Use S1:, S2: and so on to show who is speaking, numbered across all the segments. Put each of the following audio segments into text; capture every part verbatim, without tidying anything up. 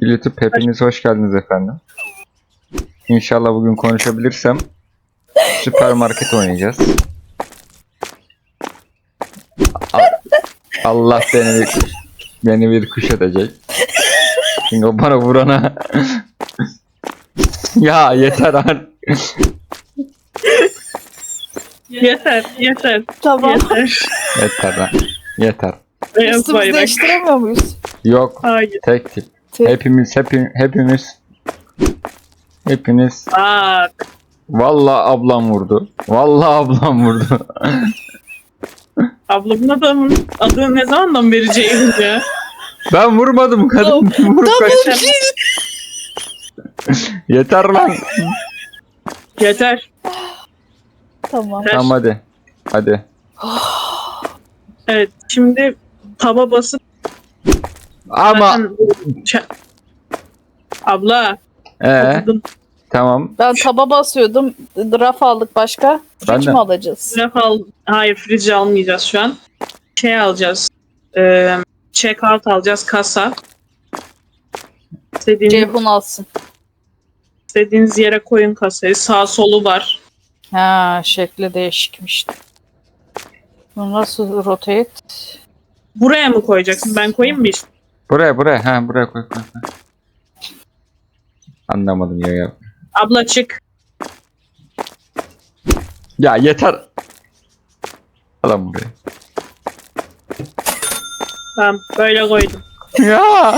S1: Sevgili YouTube, hepiniz hoş geldiniz efendim. İnşallah bugün konuşabilirsem süpermarket oynayacağız. A- Allah beni bir, beni bir kuş edecek. Çünkü o bana vurana ya yeter artık.
S2: Yeter, yeter,
S3: Tamam.
S2: yeter.
S1: Yeter lan. Yeter.
S2: Beyaz
S3: Üstümüzü
S2: bayrak.
S3: değiştiremiyor muyuz?
S1: Yok.
S2: Hayır.
S1: Tek tip.
S3: Tek.
S1: Hepimiz hepimiz hepimiz hepiniz
S2: Bak.
S1: vallahi ablam vurdu. Vallahi ablam vurdu.
S2: Ablamın adamın adını ne zamandan beri Ceyhun ya?
S1: Ben vurmadım, kadın vurup kaç. Yeter lan.
S2: Yeter.
S3: Tamam.
S1: Tamam hadi. Hadi.
S2: Evet, şimdi taba basıp
S1: Ama
S2: zaten- Ç- Abla.
S1: ee,
S2: okudum.
S1: tamam.
S3: Ben taba basıyordum. Raf aldık başka.
S1: Ben
S3: Fridge
S1: de.
S3: mi alacağız?
S2: Raf al. Hayır, fridge almayacağız şu an. Şey alacağız. Ee, check out alacağız, kasa. İstediğiniz,
S3: Ceyhun alsın.
S2: istediğiniz yere koyun kasayı. Sağ solu var.
S3: Ha, şekli değişikmiş. Bu nasıl rotate?
S2: Buraya mı koyacaksın? Ben koyayım mı işte?
S1: Buraya buraya. Ha buraya koy koy. koy. Anlamadım ya ya.
S2: Abla çık.
S1: Ya yeter. Alan buraya.
S2: Tamam, böyle koydum.
S1: Ya.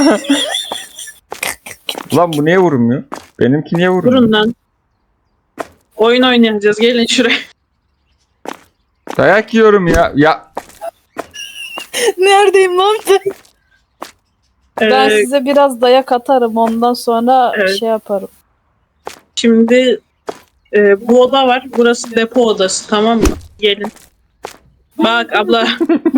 S1: Lan bu niye vurmuyor? Benimki niye vurmuyor?
S2: Durun lan. Oyun oynayacağız. Gelin şuraya.
S1: Dayak yiyorum ya. Ya
S3: Neredeyim lan ben? Ben
S2: Ee,
S3: size biraz dayak atarım. Ondan sonra
S2: Evet.
S3: şey yaparım.
S2: Şimdi e, bu oda var. Burası depo odası, tamam mı? Gelin. Bak abla.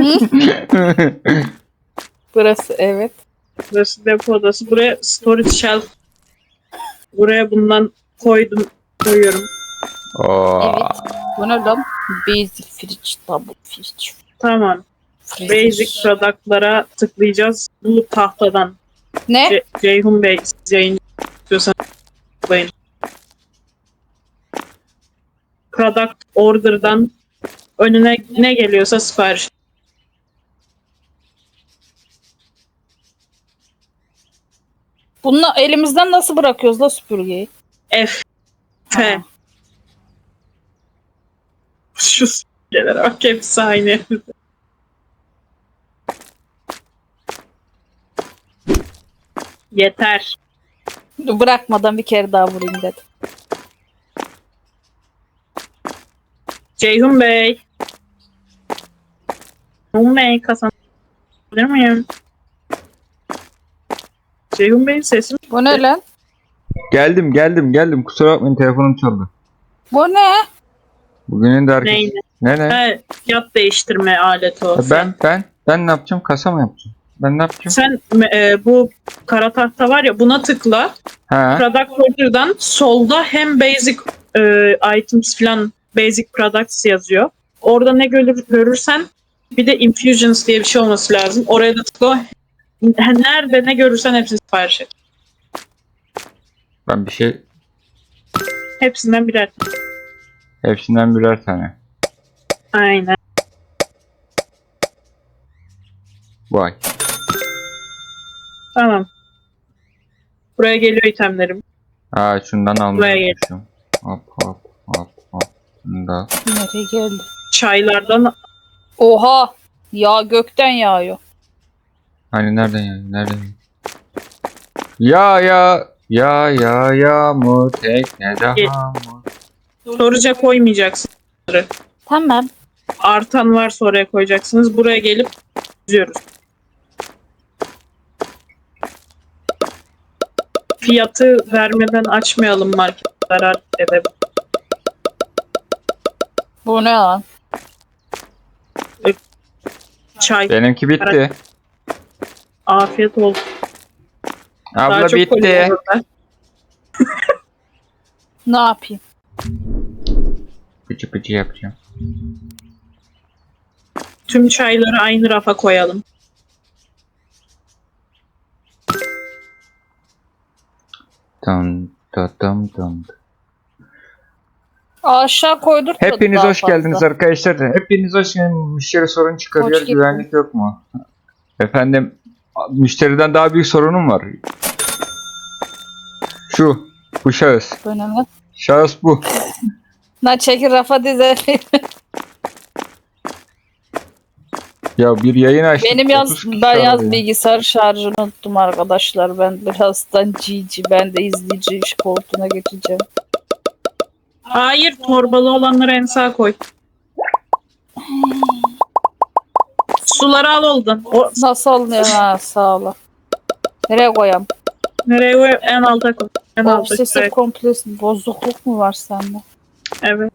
S3: Burası evet.
S2: Burası depo odası. Buraya storage shelf. Buraya bundan koydum. Koyuyorum.
S1: Oo.
S3: Evet. Bu ne lan? Basic fridge, double fridge.
S2: Tamam.
S3: Fridge.
S2: Basic product'lara tıklayacağız. Bu tahtadan.
S3: Ne?
S2: Ce- Ceyhun Bey, siz yayın istiyorsanız tıklayın. Product order'dan önüne ne geliyorsa sipariş.
S3: Bunu elimizden nasıl bırakıyoruz la süpürgeyi?
S2: F. F.
S3: Ha.
S2: Şu s***lere bak, hepsi aynı. Yeter.
S3: Bırakmadan bir kere daha vurayım dedim.
S2: Ceyhun Bey. Ceyhun Bey kazanabilir miyim? Ceyhun Bey'in sesi mi?
S3: Bu ne lan?
S1: Geldim geldim geldim. Kusura bakmayın, telefonum çaldı.
S3: Bu ne?
S1: Bugünün de herkes...
S2: Neydi?
S1: Ne ne?
S2: Ha, fiyat değiştirme aleti o.
S1: Ben ben ben ne yapacağım? Kasa mı yapacağım? Ben ne yapacağım?
S2: Sen e, bu kara tahta var ya, buna tıkla.
S1: Ha.
S2: Product order'dan solda hem basic e, items falan, basic products yazıyor. Orada ne görür, görürsen bir de infusions diye bir şey olması lazım. Oraya da tıkla. Nerede ne görürsen hepsini sipariş et.
S1: Ben bir şey
S2: Hepsinden birer.
S1: hepsinden birer tane.
S2: Aynen.
S1: Vay.
S2: Tamam. Buraya geliyor itemlerim.
S1: Ha şundan
S2: Buraya
S1: almayı
S2: gel.
S1: unutmuşum. Hop hop hop hop. Bunu da.
S3: Nereye geldi?
S2: Çaylardan
S3: Oha! Yağ gökten yağıyor.
S1: Hani nereden ya? Nereden ya? Ya ya ya ya yağmur teknede
S2: Gel.
S1: hamur.
S2: storage'a koymayacaksın.
S3: Tamam.
S2: Artan varsa oraya koyacaksınız. Buraya gelip yüzüyoruz. Fiyatı vermeden açmayalım, market zarar edebilir.
S3: Bu ne lan?
S2: Çay.
S1: Benimki bitti.
S2: Afiyet olsun. Daha
S1: Abla
S2: çok
S1: bitti.
S2: koyuyorum ben.
S3: Ne yapayım?
S1: Pıçı pıçı yapacağım.
S2: Tüm çayları aynı rafa koyalım.
S1: Tam tam tam tam.
S3: Aşağı koydurtmadı
S1: Hepiniz
S3: daha
S1: hoş
S3: fazla.
S1: geldiniz arkadaşlar. Hepiniz hoş geldiniz. Müşteri sorun çıkarıyor.
S3: Hoş geldin.
S1: Güvenlik yok mu? Efendim, müşteriden daha büyük sorunum var. Şu, bu şahıs.
S3: Önemli.
S1: Şahıs bu.
S3: Na çekil rafa dize.
S1: Ya bir yayın açtık.
S3: Benim yaz
S1: otuz kişi
S3: ben yaz
S1: arıyor.
S3: bilgisayar şarjını unuttum arkadaşlar. Ben birazdan cici, ben de izleyici iş koltuğuna geçeceğim.
S2: Hayır, torbalı olanları en sağa koy. Suları al oldan. O,
S3: Nasıl alınıyor ha, sağ ol. Nereye koyayım?
S2: nereye koy? En alta koy. En alta.
S3: Obsesif
S2: şuraya.
S3: kompulsif bozukluk mu var sende?
S2: Evet.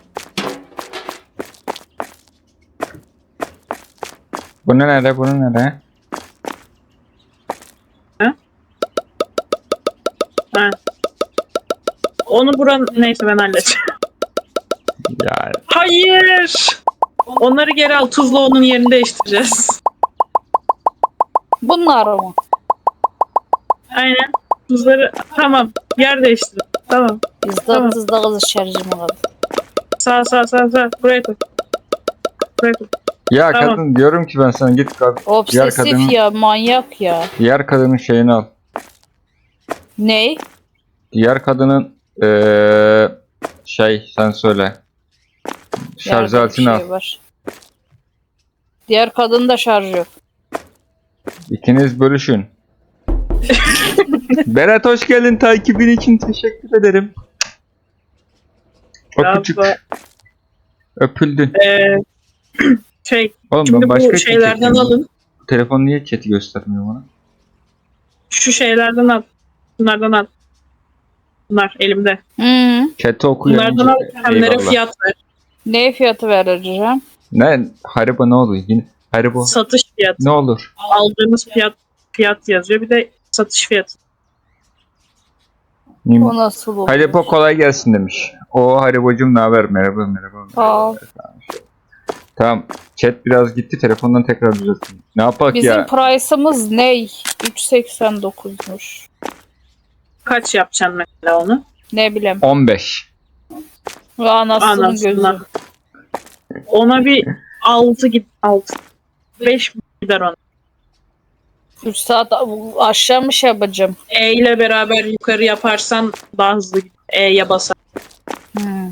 S1: Bu ne nerede? Bu ne nerede?
S2: Ha. Onu buran neyse ben halledeceğim.
S1: Ya
S2: Hayır. Onları geri al. Tuzla onun yerini değiştireceğiz.
S3: Bunlar mı?
S2: Aynen. Tuzları tamam. Yer değiştir. Tamam.
S3: Bizde
S2: Tamam.
S3: hızlı hızlı şarjım var.
S2: Sağ sağ sağ sağ. Buraya koy. Buraya koy.
S1: ya
S2: Tamam.
S1: kadın, diyorum ki ben sana git kad- diğer
S3: Obsesif
S1: kadının
S3: ya, manyak ya.
S1: diğer kadının şeyini al.
S3: Ney?
S1: Diğer kadının eee şey sen söyle. Şarj
S3: Yerde bir
S1: aletini al.
S3: şey var. Diğer kadın da şarj yok.
S1: İkiniz bölüşün. Berat hoş geldin, takibin için teşekkür ederim. Öpücük.
S2: Bravo.
S1: Öpüldün.
S2: Ee, şey.
S1: Oğlum
S2: Şimdi
S1: ben başka
S2: bu
S1: bir şey
S2: şeylerden
S1: çekeyim.
S2: alın.
S1: Telefon niye chat'i göstermiyor bana?
S2: Şu şeylerden al. Bunlardan al. Bunlar elimde.
S3: Hı.
S1: Chat'i okuyun.
S2: Bunlardan al. Hemlere fiyat ver.
S3: Ne fiyatı vereceğim?
S1: Ne? Haribo ne oluyor? Yine Haribo.
S2: Satış fiyatı.
S1: Ne olur?
S2: Aldığınız fiyat fiyat yazıyor. Bir de satış fiyatı.
S3: O nasıl olur?
S1: Haribo kolay gelsin demiş. O Haribocum ne haber? Merhaba merhaba.
S3: Sağ ol.
S1: Tamam. Chat biraz gitti. Telefondan tekrar düzelttim. Ne yapak
S3: Bizim
S1: ya?
S3: price'ımız ne? üç seksen dokuzmuş.
S2: Kaç yapacaksın mesela onu?
S3: Ne bileyim.
S1: on beş.
S3: Ve anasının
S2: Anasından.
S3: gözü.
S2: Ona bir altı git altı. beş gider ona.
S3: üç saat aşağı mı şey yapacağım?
S2: E ile beraber yukarı yaparsan daha hızlı gider. E'ye basar.
S3: Hmm.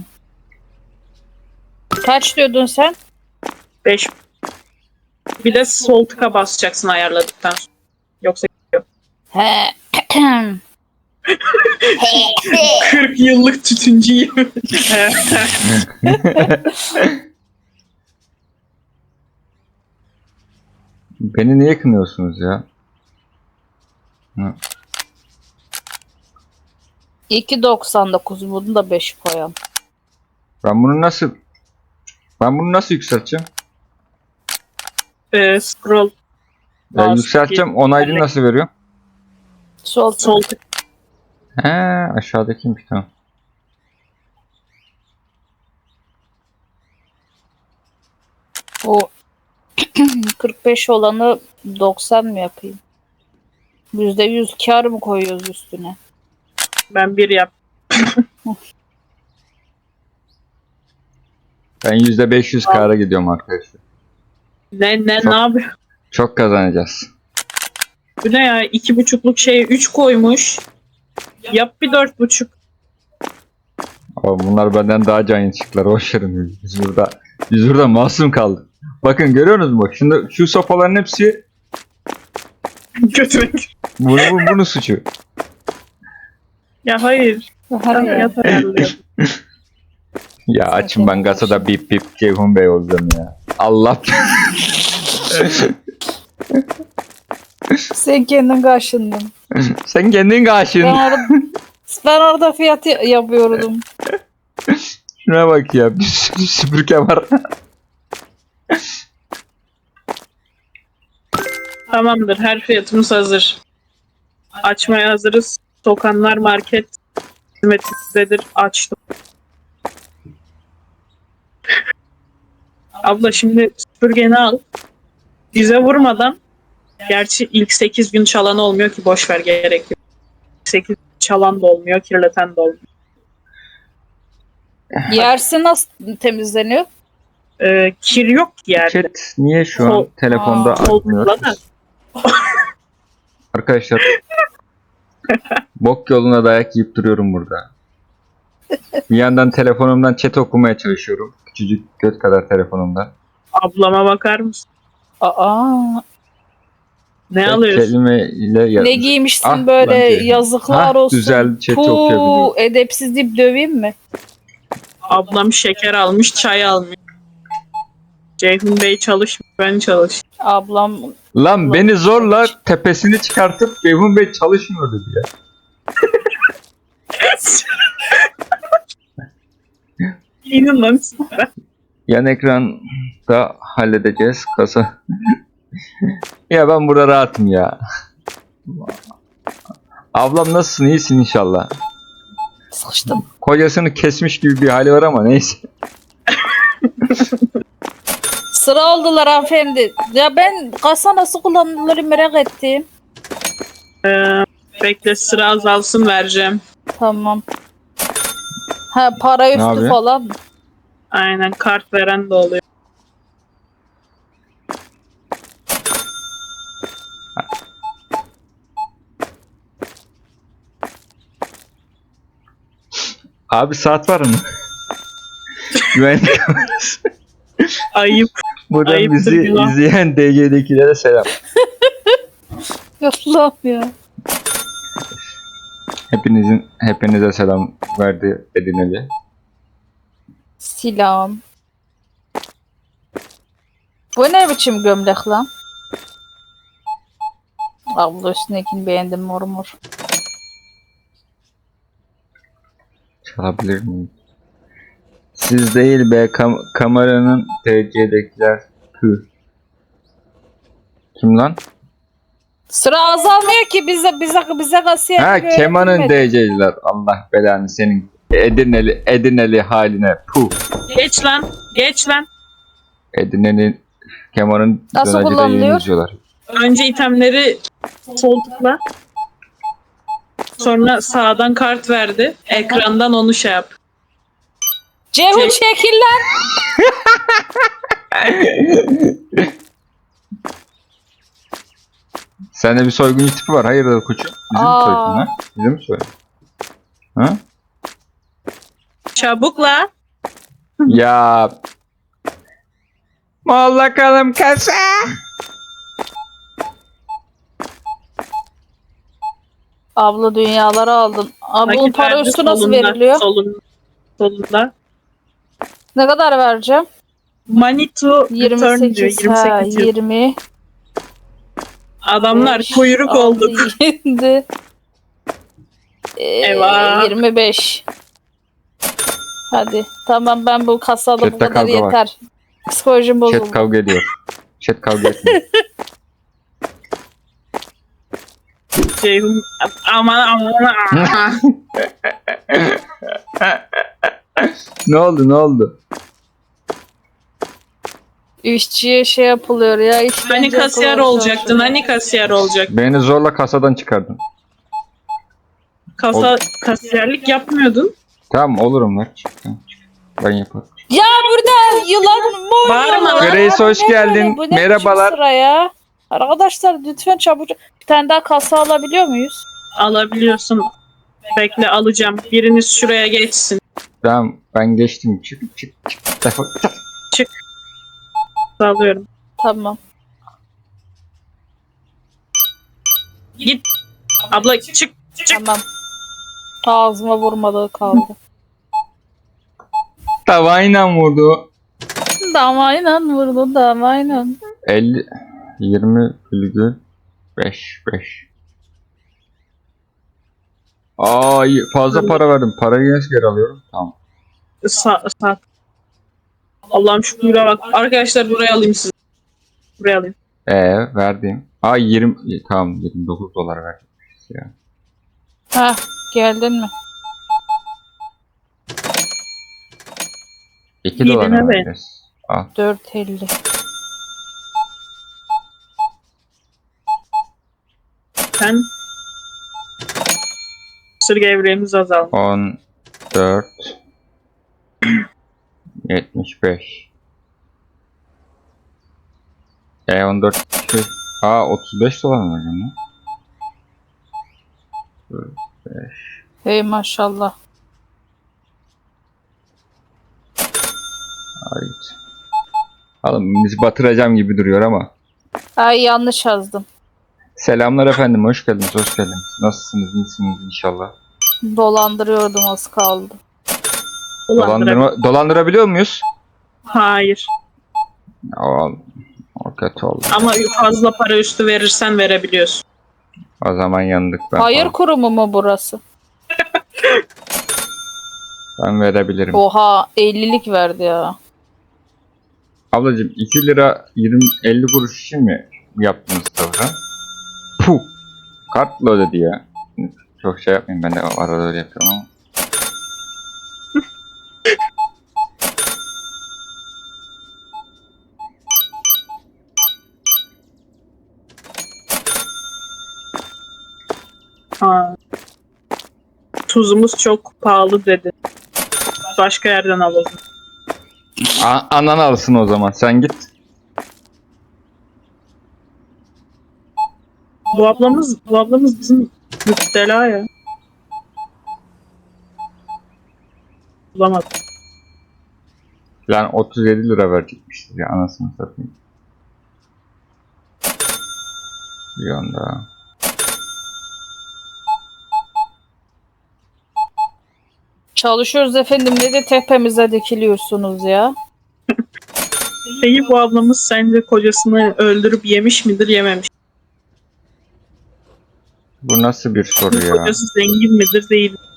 S3: Kaç diyordun sen?
S2: beş. Bir de sol tıka basacaksın ayarladıktan sonra. Yoksa
S3: He.
S2: kırk yıllık tütüncüyüm.
S1: Beni niye kınıyorsunuz ya? Hı.
S3: iki doksan dokuz, bunu da beş koyalım.
S1: Ben bunu nasıl ben bunu nasıl yükselteceğim?
S2: Ee, scroll
S1: Ya
S2: Mouse
S1: yükselteceğim. Onaylı nasıl veriyor?
S3: Sol
S2: sol tık.
S1: He, aşağıdakiymiş, tamam.
S3: O kırk beş olanı doksan mı yapayım? yüzde yüz kar mı koyuyoruz üstüne?
S2: Ben bir yap.
S1: Ben yüzde beş yüz kâra gidiyorum arkadaşlar.
S2: Ne ne
S1: Çok-
S2: ne yapıyor?
S1: Çok kazanacağız.
S2: Bu ne ya? İki buçukluk şeye üç koymuş. Yap bir dört buçuk.
S1: Ama bunlar benden daha can çıktılar. Hoş verin. Biz burada, biz burada masum kaldık. Bakın görüyorsunuz mu? Şimdi şu sopaların hepsi
S2: Götürmek.
S1: bunu, bu, bunun suçu.
S2: Ya hayır.
S3: Hadi ya.
S2: Yat ayarlıyorum.
S1: Ya açın ben kasada bip bip Ceyhun Bey olacağım ya. Allah.
S3: Sen kendin karşındın.
S1: Sen kendin karşın.
S3: Ben orada, ben orada fiyat ya- yapıyordum.
S1: Şuna bak ya. Bir sürü süpürge var.
S2: Tamamdır. Her fiyatımız hazır. Açmaya hazırız. Sokanlar market hizmetindedir. Açtım. Abla şimdi süpürgeni al. Bize vurmadan, gerçi ilk sekiz gün çalan olmuyor ki, boş ver, gerek yok. sekiz çalan da olmuyor, kirleten de olmuyor.
S3: Yersi nasıl temizleniyor?
S2: Ee, kir yok ki yerde.
S1: Chat niye şu an
S2: Sol-
S1: telefonda
S3: Aa,
S1: açmıyor?
S2: Solda da.
S1: Arkadaşlar bok yoluna dayak yiyip duruyorum burada. Bir yandan telefonumdan chat okumaya çalışıyorum. Küçücük göt kadar telefonumda.
S2: Ablama bakar mısın?
S3: Aa,
S2: Ne
S1: Tek
S2: alıyorsun?
S1: kelimeyle yaz-
S3: ne giymişsin
S1: Ah,
S3: böyle,
S1: lan diye.
S3: yazıklar
S1: Ha,
S3: olsun.
S1: güzel chat'i
S3: Puu,
S1: okuyabiliyorum.
S3: edepsiz deyip döveyim mi?
S2: Ablam şeker almış, çay almış. Ceyhun Bey çalışmıyor, ben çalış.
S3: Ablam
S1: Lan beni zorla tepesini çıkartıp Ceyhun Bey çalışmıyor dedi ya.
S2: İnin lan.
S1: Yan ekranda halledeceğiz kasa. Ya ben burada rahatım ya. Ablam nasılsın? İyisin inşallah.
S3: sıkıştım.
S1: Kocasını kesmiş gibi bir hali var ama neyse.
S3: Sıra oldular hanımefendi. Ya ben kasa nasıl kullanılır merak ettim.
S2: Ee, bekle sıra azalsın vereceğim.
S3: Tamam. Ha, para üstü
S1: yapıyor?
S3: falan mı?
S2: Aynen, kart veren de oluyor.
S1: Abi saat var mı? Güvenlik kamerası.
S2: Ayıp.
S1: Buradan
S2: Ayıptır
S1: bizi
S2: günah.
S1: izleyen D C'dekilere selam.
S3: Allah'ım ya.
S1: Hepinizin hepinize selam verdi Edineli.
S3: Silahım. Bu ne biçim gömlek lan? Abla üstündekini beğendim mor mor.
S1: Çalabilir miyim? Siz değil be kam kameranın D C'dekiler. Tüh. Kim lan?
S3: Sıra azalmıyor ki bize bize bize kasiyer
S1: Ha
S3: gibi
S1: Keman'ın
S3: öğretilmedi.
S1: D C'liler. Allah belanı senin Edineli Edineli haline. Puh.
S2: Geç lan. Geç lan.
S1: Edineli Keman'ın
S3: Nasıl
S1: dönercide
S3: kullanılıyor?
S1: yayın izliyorlar.
S2: Önce itemleri sol tıkla. Sonra sağdan kart verdi. Ekrandan onu şey yap.
S3: Ceyhun
S2: Şey-
S3: çekil lan.
S1: Sende bir soyguncu tipi var. Hayırdır koçum? Bizi mi
S3: Aa.
S1: soydun ha? Bizi mi soydun? Ha?
S2: Çabuk la.
S1: Ya. Al bakalım kasa.
S3: Abla dünyaları aldın. Abi bunun
S2: Nakit
S3: para
S2: verdi,
S3: üstü nasıl
S2: solunda,
S3: veriliyor?
S2: Solunda. Solunda.
S3: Ne kadar vereceğim?
S2: Money to return diyor.
S3: yirmi sekiz. Ha,
S2: yirmi sekiz diyor.
S3: yirmi.
S2: Adamlar
S3: beş,
S2: kuyruk
S3: altı,
S2: olduk.
S3: yedi. Ee,
S2: Eyvah.
S3: yirmi beş. Hadi. Tamam, ben bu kasada bu
S1: Chatte
S3: kadar
S1: kavga var.
S3: yeter. Psikolojim bozuldu.
S1: Chat kavga ediyor. Chat kavga etmiyor.
S2: Ceyhun aman aman aman.
S1: Ne oldu ne oldu?
S3: İşçiye şey yapılıyor ya. işkence
S2: Hani kasiyer
S3: yapılıyor
S2: olacaktın?
S3: çalışıyor.
S2: Hani kasiyer olacak?
S1: Beni zorla kasadan çıkardın.
S2: Kasa kasiyerlik yapmıyordun.
S1: Tamam olurum lan. Çık, tamam, çık. Ben yaparım.
S3: Ya burada yılan mı
S2: Bağırma
S3: oynuyorlar?
S2: lan.
S1: Grace,
S3: Bu
S1: hoş
S3: ne
S1: geldin.
S3: böyle? Bu ne biçim
S1: Merhabalar.
S3: sıra ya? Arkadaşlar lütfen çabuk. Bir tane daha kasa alabiliyor muyuz?
S2: Alabiliyorsun. Bekle alacağım. Biriniz şuraya geçsin.
S1: Tamam ben geçtim. Çık çık çık. Defol.
S2: Alıyorum.
S3: Tamam.
S2: Git. Abla çık. Çık.
S3: Tamam. Ağzıma vurmadığı kaldı.
S1: Tavayla vurdu.
S3: Damayla vurdu damayla.
S1: elli yirmi virgül beş beş. Aa iyi, fazla para verdim. Parayı nasıl geri alıyorum? Tamam.
S2: Sa sağ. Allah'ım şu kuyruğa bak. Arkadaşlar buraya alayım sizi. Buraya alayım.
S1: Ee verdim. Aa yirmi tamam yirmi dokuz dolar verdim. Ya.
S3: Hah, geldin mi?
S1: iki
S2: Yedine
S1: dolar
S2: ver.
S1: vereceğiz. Al.
S3: dört elli.
S2: Sen Öksürük evreğimiz azaldı.
S1: on dört yetmiş beş. E on dört şey. Aa otuz beş dolar mı hocam?
S3: Hey maşallah.
S1: Hayır. Oğlum bizi batıracağım gibi duruyor ama.
S3: Ay yanlış yazdım.
S1: Selamlar efendim, hoş geldiniz, hoş geldiniz. Nasılsınız, iyisiniz inşallah.
S3: Dolandırıyordum az kaldı.
S1: Dolandırma, dolandırabiliyor muyuz?
S2: Hayır.
S1: O, o kötü oldu.
S2: Ama fazla para üstü verirsen verebiliyorsun.
S1: O zaman yandık ben.
S3: Hayır
S1: falan.
S3: kurumu mu burası?
S1: Ben verebilirim.
S3: Oha ellilik verdi ya.
S1: Ablacığım iki lira yirmi elli kuruş için mi yaptınız tavra? Puh. Kartla ödedi ya. Çok şey yapmayayım, ben de arada öyle yapıyorum ama.
S2: Ha. Tuzumuz çok pahalı dedi. Başka yerden alalım.
S1: A anan alsın o zaman, sen git.
S2: Bu ablamız, bu ablamız bizim müptela ya. Bulamadım.
S1: Lan otuz yedi lira verecekmiştir ya, anasını satayım. Bir anda.
S3: Çalışıyoruz efendim ne de tepemize dikiliyorsunuz ya.
S2: Peki bu ablamız sence kocasını öldürüp yemiş midir, yememiş?
S1: Bu nasıl bir soru ya?
S2: Kocası zengin midir, değil mi?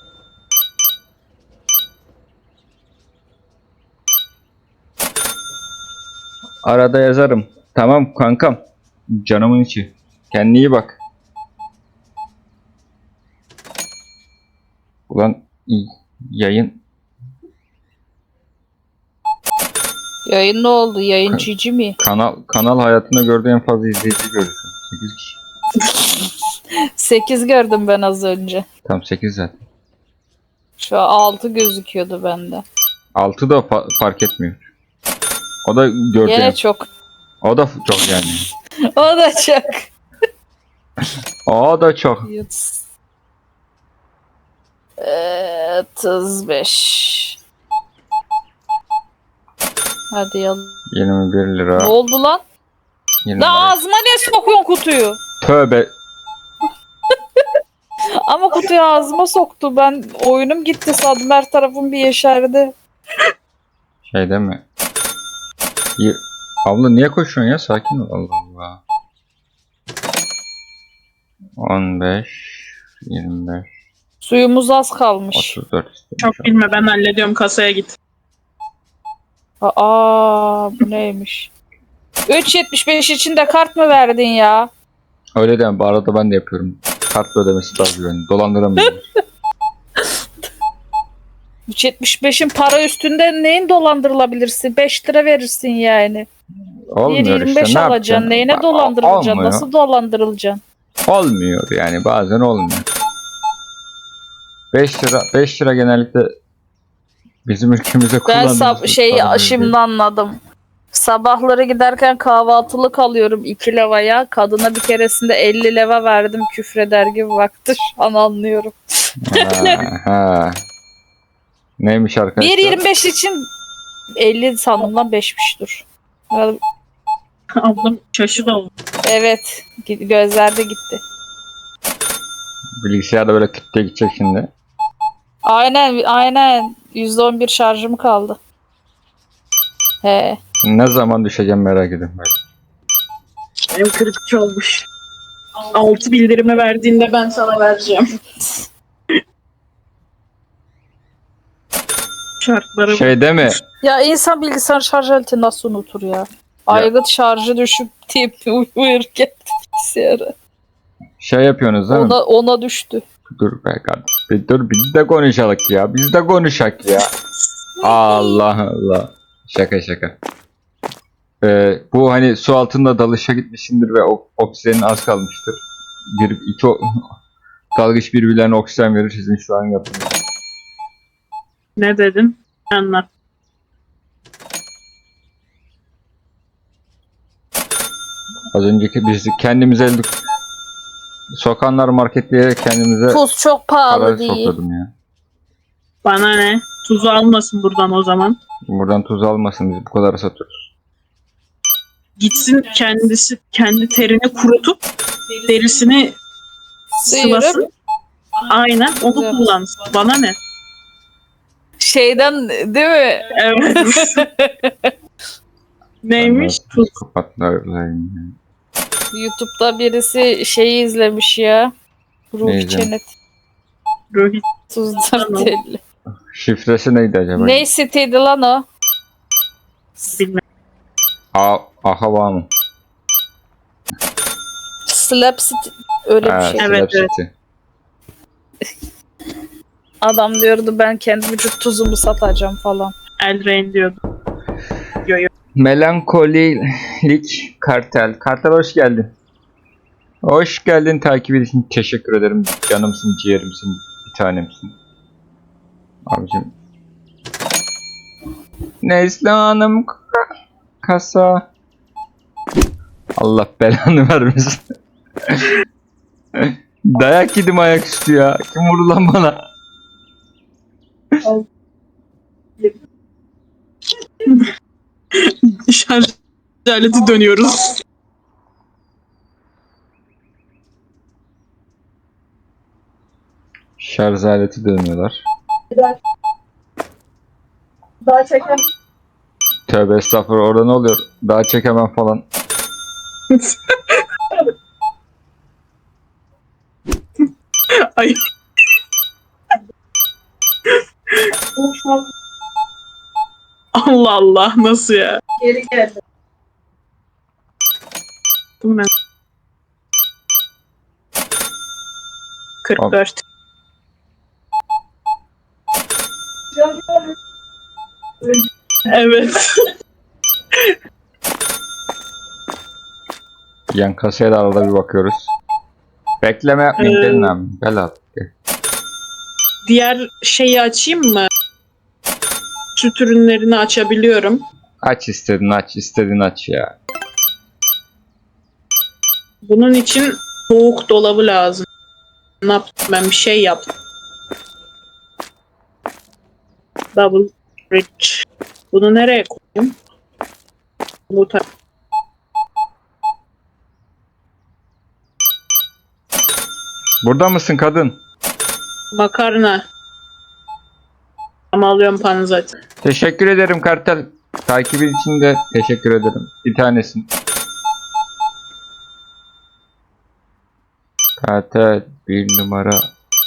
S1: Arada yazarım. Tamam kankam. Canımın içi. Kendine iyi bak. Ulan iyi. Yayın
S3: Yayın ne oldu? Yayın cici mi?
S1: kanal kanal hayatında gördüğü en fazla izleyici görürsün. sekiz kişi.
S3: sekiz gördüm ben az önce.
S1: Tam sekiz zaten.
S3: Şu an altı gözüküyordu bende.
S1: altı da fa- fark etmiyor. O da gördüğü.
S3: Gene çok.
S1: O da çok yani.
S3: O da çok.
S1: O da çok.
S3: Ee, otuz beş. Hadi yalan.
S1: yirmi bir lira.
S3: Ne oldu lan?
S1: yirmi
S3: La
S1: lira.
S3: ağzıma ne sokuyorsun kutuyu?
S1: Tövbe.
S3: Ama kutuyu ağzıma soktu. Ben oyunum gitti sandım. Her tarafım bir yeşerdi.
S1: Şey değil mi? Y- Abla niye koşuyorsun ya? Sakin ol. Allah Allah. on beş yirmi beş
S3: Suyumuz az kalmış.
S1: otuz dört istemiş.
S2: Çok bilme, ben hallediyorum, kasaya git.
S3: Aa bu neymiş? üç yetmiş beş için de kart mı verdin ya?
S1: Öyle deme. Bu arada ben de yapıyorum. Kartla ödemesi daha güvenli. Dolandıramıyorum.
S3: üç yetmiş beşin para üstünde neyin dolandırılabilirsin? beş lira verirsin yani.
S1: Olmuyor
S3: bir yirmi beş
S1: işte. Ne
S3: alacaksın.
S1: yapacaksın?
S3: Neyine
S1: Ol-
S3: dolandırılacaksın?
S1: olmuyor.
S3: Nasıl dolandırılacaksın?
S1: Olmuyor yani. Bazen olmuyor. beş lira beş lira genellikle bizim ülkemizde
S3: Ben
S1: kullandığımız
S3: sab- şey
S1: para değil.
S3: şimdi anladım. Sabahları giderken kahvaltılık alıyorum iki levaya. Kadına bir keresinde elli leva verdim, küfreder gibi baktı. Şu an anlıyorum.
S1: Ha, ha. Neymiş arkadaşlar?
S3: bir yirmi beş için elli sandım lan beşmiş dur. Ya,
S2: Ablam şaşırdı oldu.
S3: evet gi- gözlerde gitti.
S1: Bilgisayarda böyle küt diye gidecek şimdi.
S3: Aynen aynen yüzde on bir şarjım kaldı. He.
S1: Ne zaman düşeceğim merak ediyorum böyle.
S2: Benim kırıkçı olmuş. Altı bildirimi verdiğinde ben sana vereceğim. Şartları
S1: Şey değil mi?
S3: Ya insan bilgisayar şarj aleti nasıl unutur ya? Aygıt şarjı düşüp tip uyurken bilgisayara.
S1: Şey yapıyorsunuz değil mi?
S3: Ona, ona düştü.
S1: Dur be kardeşim. Bir dur biz de konuşalım ya. Biz de konuşak ya. Allah Allah. Şaka şaka. Ee, bu hani su altında dalışa gitmişsindir ve o oksijenin az kalmıştır. Bir iki o- Dalgıç birbirlerine oksijen verir. Sizin şu an yaptığınız.
S2: Ne dedin? Anlat.
S1: Az önceki biz kendimize elde sokanlar marketleyerek kendimize
S3: Tuz çok pahalı
S1: para
S3: değil.
S1: sokladım ya.
S2: Bana ne? Tuzu almasın buradan o zaman.
S1: Buradan tuz almasın, biz bu kadar satıyoruz.
S2: Gitsin kendisi kendi terini kurutup derisini
S3: Sıyırıp
S2: sıvasın. Aynen onu
S3: Evet.
S2: kullansın. Bana ne?
S3: şeyden değil mi?
S2: Evet. Neymiş? Tuz.
S1: Kapatlarlayım.
S3: YouTube'da birisi şeyi izlemiş ya. Ruh
S1: Ne izlemiş?
S3: Çenet.
S2: Rohit.
S3: Tuzlar
S2: Tamam.
S3: telli.
S1: Şifresi neydi acaba?
S3: Ne siteydi lan o?
S2: Bilmem.
S1: A aha var mı?
S3: Slap City. Öyle bir
S1: Ha,
S3: şey.
S2: Evet,
S1: Slap
S2: evet.
S1: City.
S3: Adam diyordu ben kendi vücut tuzumu satacağım falan.
S2: Eldrain diyordu. Yo yo.
S1: Melankolilik Kartel. Kartel hoş geldin. Hoş geldin, takip için teşekkür ederim. Canımsın, ciğerimsin, bir tanemsin. Abicim. Nesli Hanım kasa. Allah belanı vermesin. Dayak yedim ayaküstü ya. Kim vurdu lan bana?
S2: Şarj aleti dönüyoruz.
S1: Şarj aleti dönüyorlar.
S4: Daha çeken
S1: Tövbe estağfurullah, orada ne oluyor? Daha çekemem falan.
S2: Ay.
S4: konuşmam
S2: Allah Allah nasıl ya?
S4: geri geldi.
S2: Ben. kırk dört. Evet.
S1: Yan kasaya da arada bir bakıyoruz. Bekleme yapmayın,
S2: Ee,
S1: gelin abi. Gel abi. Gel.
S2: Diğer şeyi açayım mı? Süt ürünlerini açabiliyorum.
S1: Aç istedin aç, istedin aç ya.
S2: Bunun için soğuk dolabı lazım. Ne yaptım ben? Bir şey yaptım. Double fridge. Bunu nereye koyayım? Bu ta-
S1: Burada mısın kadın?
S2: Makarna. Ama alıyorum panı zaten.
S1: Teşekkür ederim Kartel. Takibin için de teşekkür ederim. Bir tanesin. Kartel bir numara.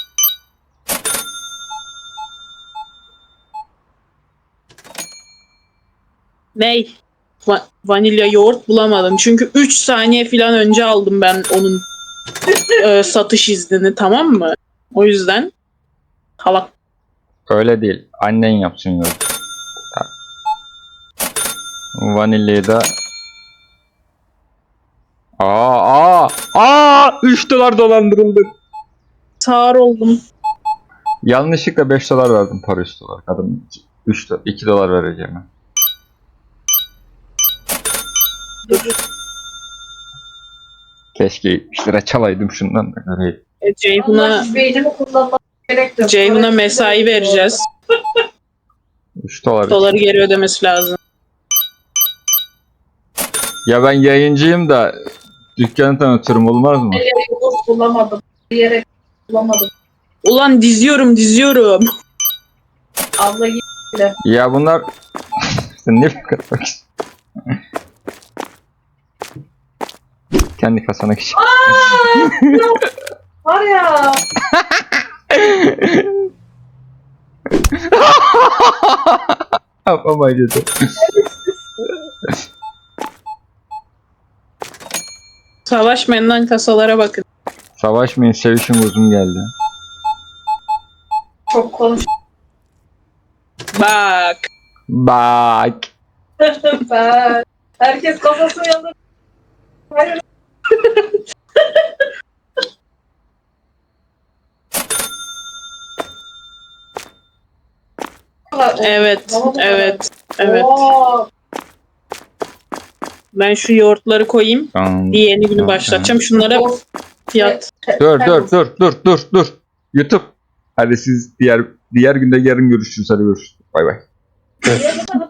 S2: Ney? Va- vanilya yoğurt bulamadım. Çünkü üç saniye falan önce aldım ben onun e, satış iznini, tamam mı? O yüzden halak.
S1: Öyle değil. Annen yapsın yolu. Vanilyayı da Aa aa aa üç dolar dolandırıldı.
S2: Sağır oldum.
S1: Yanlışlıkla beş dolar verdim, para üç dolar. Kadın üç dolar, iki dolar vereceğim ben. Keşke yetmiş lira çalaydım şundan da. Öyle.
S2: E, Ceyhun'a
S4: Allah beynimi kullanmak gerek yok.
S2: Ceyhun'a mesai vereceğiz.
S1: üç dolar.
S2: Doları geri ödemesi lazım.
S1: Ya ben yayıncıyım da dükkanı tanıtırım, olmaz mı?
S4: Bir yere yoğurt bulamadım. Bir yere bulamadım.
S2: Ulan diziyorum diziyorum.
S4: Abla git.
S1: Ya bunlar sen ne kadar kendi kasana geç.
S4: Var ya.
S1: Yapamaydı.
S2: Savaşmayın lan, kasalara bakın.
S1: Savaşmayın, sevişin, uzun geldi.
S4: Çok konuş.
S2: Bak.
S1: Bak.
S4: Ben- Herkes kafasını yanında. Hayır.
S2: Evet,
S4: Baba bu kadar.
S2: evet, evet.
S4: Oo,
S2: Ben şu yoğurtları koyayım.
S1: Tamam.
S2: Bir yeni günü
S1: Tamam,
S2: başlatacağım. Şunlara
S4: o-
S2: fiyat.
S4: te-
S1: Dur
S4: te-
S1: dur dur dur dur dur. YouTube. Hadi siz diğer diğer günde yarın görüşürüz. Hadi görüşürüz. Bay bay.
S4: Niye bu kadar